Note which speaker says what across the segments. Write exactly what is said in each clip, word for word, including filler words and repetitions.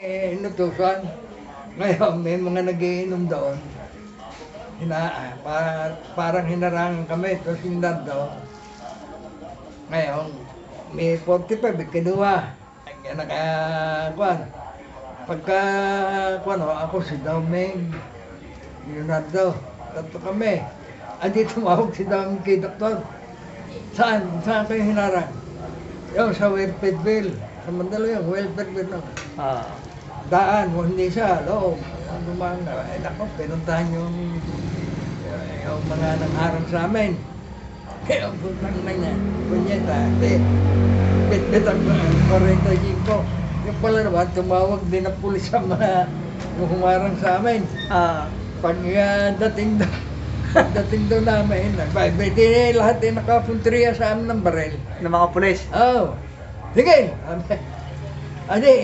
Speaker 1: Eh, inutusan. Ngayon, may mga nagiinom doon. Hina, pa, parang hinarangan kami, tapos hinardo. Ngayon, may forty-five, kinuha. Kaya naka, kwan. Pagka, kwan, ho, ako si Daumeng, Leonardo, tatlo kami. Andi tumawag si Daumeng kay doktor. Saan? Saan kayo hinarang? Yung sa welfare bill. Sa Mandaluyong, welfare bill lang.
Speaker 2: Ah.
Speaker 1: Daan, o hindi siya, loob. Ang dumaan na, eh nako, pinuntahan yung, yung mga nang-arang sa amin. Kaya ang putang na niya, kunyeta, eh, bit-bit ang forty-five. Yung pala naman, tumawag din ang pulis sa mga yung humarang sa amin.
Speaker 2: Ah.
Speaker 1: Pag uh, dating doon, pagdating doon namin, nagbibiti lahat ay nakapuntriya sa amin ng baril.
Speaker 2: Ng mga pulis.
Speaker 1: Oo. Oh, sige, sabi, adi,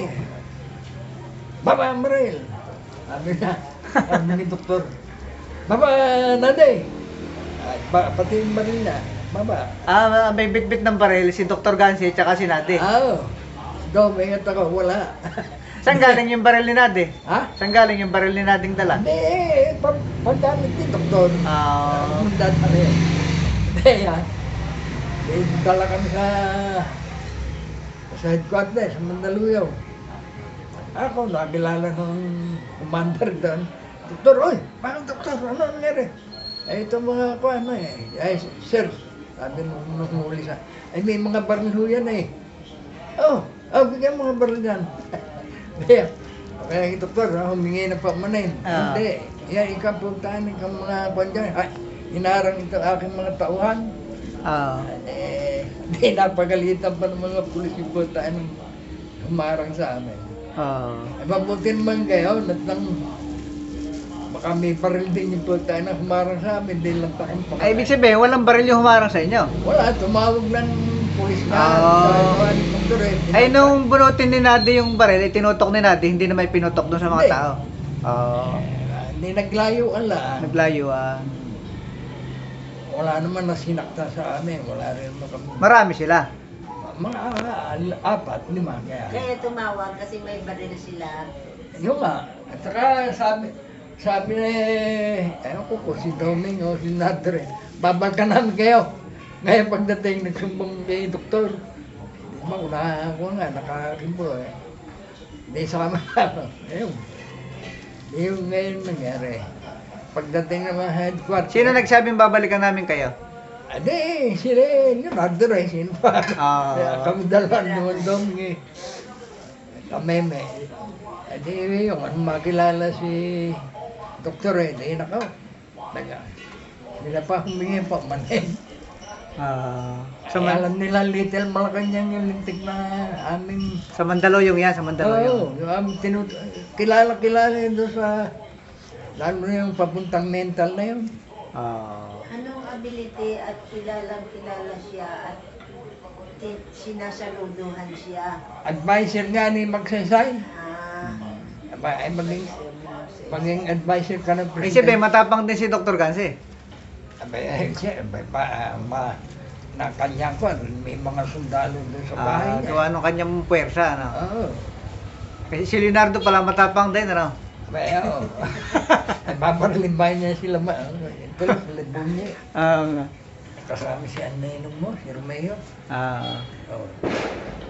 Speaker 1: baba ang baril. Sabi na, sabi ni doktor, baba, nade. Ay, ba, pati yung baril na, baba.
Speaker 2: Ah, may bit-bit ng baril si Doktor Gansi at si Nade.
Speaker 1: Oo. Do, may ingat ako, wala.
Speaker 2: Saan galing yung baril ni Nade?
Speaker 1: Ha?
Speaker 2: Saan galing yung baril ni Nading dala?
Speaker 1: Hindi, pag, pagdamit ni doktor.
Speaker 2: Ah.
Speaker 1: Ang dala rin. Hindi, yan. Eh, dala kami sa sa headquarters, sa Mandaluyong. Ako, nakilala ng commander doon. Doktor, oy, bakit doktor? Ano nangyari? Eh, ito mga kuha na eh. Ay, sir, sabi nung nung huli sa, ay may mga baril ho yan eh. Oh, oh, bigyan mga baril yan. Kaya, kaya yung doktor, ah, humingi na pa manin.
Speaker 2: Ah.
Speaker 1: Hindi, yan, ikaw puntahan ng mga kuha dyan. Ay, hinarang ito aking mga tauhan.
Speaker 2: Ah.
Speaker 1: Eh, di napagalitan pa ng mga pulis yung puntaan ng humarang sa amin.
Speaker 2: Ah.
Speaker 1: Ay, mabuti naman kayo, nat lang, baka may baril din yung puntaan na humarang sa amin, di lang takang pa.
Speaker 2: Ay, ibig sabihin, walang baril yung humarang sa inyo.
Speaker 1: Wala, tumawag ng pulis na.
Speaker 2: Ah.
Speaker 1: Sa doktor eh.
Speaker 2: Ay, nung bunutin ni Nade yung baril, ay tinutok ni Nade, hindi na may pinutok doon sa mga
Speaker 1: Hindi.
Speaker 2: tao. Ah.
Speaker 1: Eh, Hindi naglayo ala.
Speaker 2: Naglayo ah.
Speaker 1: Wala naman na sinakta sa amin, wala rin naman kami.
Speaker 2: Marami sila.
Speaker 1: Mga ah, apat, lima kaya.
Speaker 3: Kaya tumawag kasi may baril sila.
Speaker 1: Yung nga, at saka sabi, sabi na eh, ewan ko ko, si Doming o si Nadre, babalikan namin kayo. Ngayon pagdating, nagsumbong kay doktor. Di ba, una ako nga, nakakimbo eh. Hindi sama ako. Ayun. Yung ngayon nangyari. Pagdating ng mga headquarters.
Speaker 2: Sino nagsabing babalikan namin kayo?
Speaker 1: Ade, sila eh, yung Nadre, sino pa?
Speaker 2: Ah.
Speaker 1: Kaya kami dalawa naman Doming eh. Kameme. Ade, yung ano makilala si doktor eh, di nakaw. Naga. Hindi na pa humingi pa manin.
Speaker 2: Ah.
Speaker 1: So,
Speaker 2: Sa, Man-
Speaker 1: alam nila Little Malacanang yung lintik na aming...
Speaker 2: sa Mandaluyong yan, sa
Speaker 1: Oo,
Speaker 2: Mandaluyong.
Speaker 1: yung aming tinut... Kilala-kilala yun doon sa... Lalo na yung papuntang mental na yun.
Speaker 2: Ah.
Speaker 3: Anong ability at kilalang kilala siya at ti- sinasaluduhan siya?
Speaker 1: Advisor nga ni Magsaysay.
Speaker 3: Ah,
Speaker 1: Aba, ay maging, maging advisor ka ng
Speaker 2: Ibig sabihin, matapang din si Doktor Gansi.
Speaker 1: Aba, eh, siya, aba, pa, ma, na kanya ko, may mga sundalo doon sa bahay
Speaker 2: Ah,
Speaker 1: niya.
Speaker 2: gawa nung kanyang puwersa, ano?
Speaker 1: Oo.
Speaker 2: Kasi si Leonardo pala matapang din, ano?
Speaker 1: Aba, eh, oo. Babaralimbay niya sila, ma, ito lang, sila bunye.
Speaker 2: Ah,
Speaker 1: Kasama si Anay mo, si Romeo.
Speaker 2: ah.
Speaker 1: Oo.